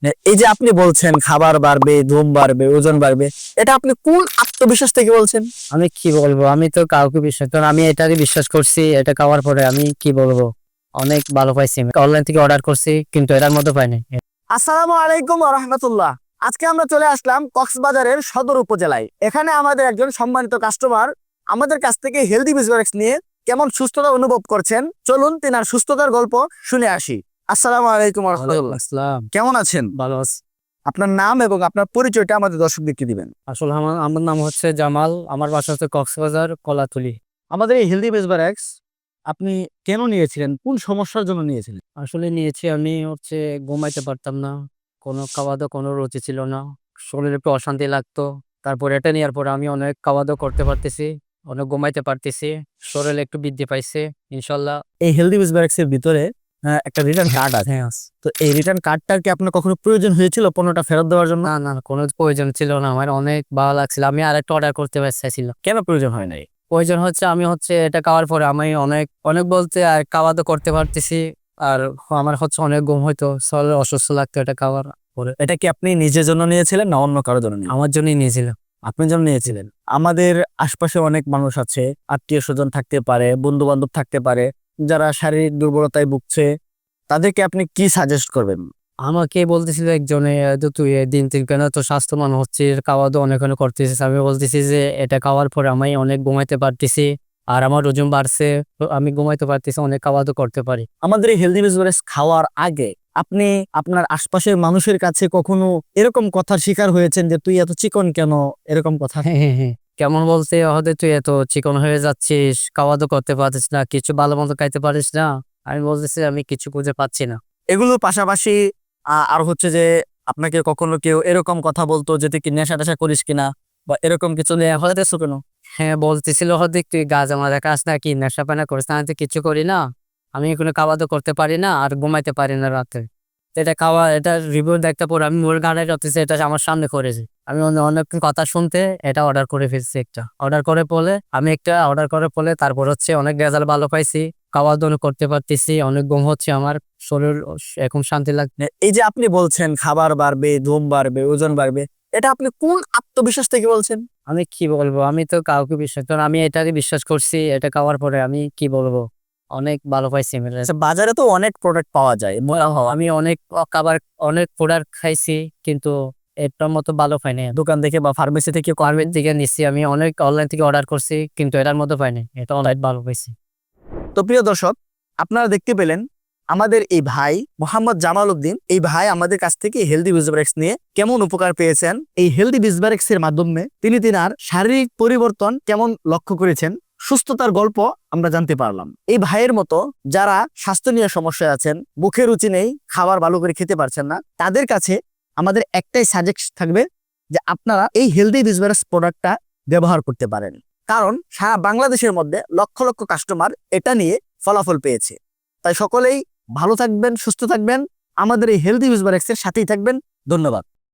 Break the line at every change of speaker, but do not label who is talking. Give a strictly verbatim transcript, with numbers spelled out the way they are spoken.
এই যে আপনি বলছেন খাবার বাড়বে, ঘুম বাড়বে, ওজন বাড়বে, এটা আপনি কোন আত্মবিশ্বাস থেকে বলছেন?
আমি কি বলবো, আমি তো কাউকে বিশ্বাস কারণ আমি এটারই বিশ্বাস করছি। এটা খাওয়ার পরে আমি কি বলবো, অনেক ভালো পাইছি। অনলাইন থেকে অর্ডার করছি কিন্তু এটার মধ্যে পাইনি।
আসসালামু আলাইকুম ওয়া রাহমাতুল্লাহ। আজকে আমরা চলে আসলাম কক্সবাজারের সদর উপজেলায়। এখানে আমাদের একজন সম্মানিত কাস্টমার আমাদের কাছ থেকে হেলদি বিজনেস নিয়ে কেমন সুস্থতা অনুভব করছেন, চলুন তেনার সুস্থতার গল্প শুনে আসি। আসসালামু আলাইকুম ওয়া রাহমাতুল্লাহ।
আসসালাম।
কেমন আছেন?
ভালো আছি।
আপনার নাম এবং আপনার পরিচয়টা আমাদের দর্শকদেরকে দিবেন।
আসলে আমার আমার নাম হচ্ছে জামাল, আমার বাসা হচ্ছে কক্সবাজার কলাতুলি।
আমাদের এই হেলদি বেসবারেক্স আপনি কেন নিয়েছিলেন, কোন সমস্যার জন্য নিয়েছিলেন?
আসলে নিয়েছি আমি হচ্ছে ঘুমাইতে পারতাম না, কোনো খাওয়া দাওয়া কোনো রুচি ছিল না, শরীরে একটু অশান্তি লাগতো। তারপর এটা নেওয়ার পরে আমি অনেক খাওয়া দাওয়া করতে পারতেছি, অনেক ঘুমাইতে পারতেছি, শরীরে একটু বৃদ্ধি পাইছে ইনশাল্লাহ।
এই হেলদি বেসবারেক্স এর ভিতরে আহ, একটা রিটার্ন কার্ড আছে।
হ্যাঁ।
তো এই রিটার্ন কার্ডটার কি আপনার কখনো প্রয়োজন হয়েছিল পণ্যটা ফেরত দেওয়ার জন্য?
না না কোনো প্রয়োজন ছিল না, আমার অনেক ভালো লাগছিল, আমি আরেকটা অর্ডার করতে চাইছিল।
কেন প্রয়োজন হয় নাই?
প্রয়োজন হচ্ছে আমি হচ্ছে এটা খাওয়ার পরে আমি অনেক অনেক বলতে আর খাওয়া দাওয়া করতে পারতেছি। আর আমার হচ্ছে অনেক ঘুম হইতো, শরীরে অসুস্থ লাগতো এটা খাওয়ার পরে।
এটা কি আপনি নিজের জন্য নিয়েছিলেন না অন্য কারোর জন্য নিয়েছিলেন?
আমার জন্যই নিয়েছিলাম।
আপনার জন্য নিয়েছিলেন। আমাদের আশপাশে অনেক মানুষ আছে, আত্মীয় স্বজন থাকতে পারে, বন্ধু বান্ধব থাকতে পারে, যারা শারীরিক দুর্বলতায় ভুগছে, তাদেরকে আপনি কি সাজেস্ট করবেন?
আমাকে বলতেছিল একজনে, তো তুই এ দিন তিন কেন তো স্বাস্থ্যবান হচ্ছিস, খাওয়া দাওয়া অনেক অনেক করতেছিস। আমি বলতেছি যে এটা খাওয়ার পরে আমি অনেক ঘুমাইতে পারতেছি, আর আমার ওজন বাড়ছে, তো আমি ঘুমাইতে পারতেছি, অনেক খাওয়া দাওয়া করতে পারি।
আমাদের এই হেলদি বিজনেস খাওয়ার আগে আপনি আপনার আশপাশের মানুষের কাছে কখনো এরকম কথার শিকার হয়েছেন যে তুই এত চিকন কেন, এরকম কথা?
হ্যাঁ হ্যাঁ হ্যাঁ। কেমন বলতে, হয়তো তুই এত চিকন হয়ে যাচ্ছিস, খাওয়া দাওয়া করতে পারছিস না, কিছু ভালো মতো খাইতে পারিস না। আমি বলতেছি আমি কিছু খুঁজে পাচ্ছি না।
এগুলোর পাশাপাশি আহ, আর হচ্ছে যে আপনাকে কখনো কেউ এরকম কথা বলতো যে তুই কি নেশা টেশা করিস কিনা, বা এরকম কিছু নিয়ে হয়তো কেন?
হ্যাঁ বলতেছিল, হয়তো তুই গাঁজা মাজা খাস না, কি নেশা পানা করিস না। আমি তো কিছু করি না, আমি কোনো খাওয়া দাওয়া করতে পারি না, আর ঘুমাইতে পারি না রাতে। তো এটা খাওয়া, এটা রিভিউ দেখতে পরে আমি মোর গাড়ি রাখতেছি, এটা আমার সামনে করেছি। আমি অনে- অনেক কথা শুনতে এটা অর্ডার করে ফেলছি। একটা অর্ডার করে পরে আমি একটা অর্ডার করে পরে তারপর হচ্ছে অনেক রেজাল্ট ভালো পাইছি, খাওয়া দাওয়া করতে পারতেছি, অনেক ঘুম হচ্ছে, আমার শরীর এখন শান্তি লাগছে।
এই যে আপনি বলছেন খাবার বাড়বে, ঘুম বাড়বে, ওজন বাড়বে, এটা আপনি কোন আত্মবিশ্বাস থেকে বলছেন?
আমি কি বলবো, আমি তো কাউকে বিশ্বাস কারণ আমি এটাকে বিশ্বাস করছি। এটা খাওয়ার পরে আমি কি বলবো, অনেক ভালো পাইছি আমি result।
আচ্ছা, বাজারে তো অনেক প্রোডাক্ট পাওয়া যায়। ম-
আমি অনেক খাবার, অনেক প্রোডাক্ট খাইছি কিন্তু এটার মতো ভালো পাইনি।
দোকান থেকে বা ফার্মেসি থেকে কম-
ফার্মের থেকে নিচ্ছি, আমি অনেক অনলাইন থেকে অর্ডার করছি কিন্তু এটার মতো পাইনি, এটা অনলাইন ভালো পাইছি।
তো প্রিয় দর্শক, আপনারা দেখতে পেলেন আমাদের এই ভাই মোহাম্মদ জামাল উদ্দিন, এই ভাই আমাদের কাছ থেকে হেলদি বিজবারেক্স নিয়ে কেমন উপকার পেয়েছেন, এই হেলদি বিজবারেক্স এর মাধ্যমে তিনি তিনার শারীরিক পরিবর্তন কেমন লক্ষ্য করেছেন, সুস্থতার গল্প আমরা জানতে পারলাম। এই ভাইয়ের মতো যারা স্বাস্থ্য নিয়ে সমস্যায় আছেন, মুখে রুচি নেই, খাবার ভালো করে খেতে পারছেন না, তাদের কাছে আমাদের একটাই সাজেস্ট থাকবে যে আপনারা এই হেলদি বিজবারেক্স প্রোডাক্টটা ব্যবহার করতে পারেন। কারণ সারা বাংলাদেশের মধ্যে লক্ষ লক্ষ কাস্টমার এটা নিয়ে ফলাফল পেয়েছে। তাই সকলেই ভালো থাকবেন, সুস্থ থাকবেন, আমাদের এই হেলদি বিজবারেক্স এর সাথেই থাকবেন। ধন্যবাদ।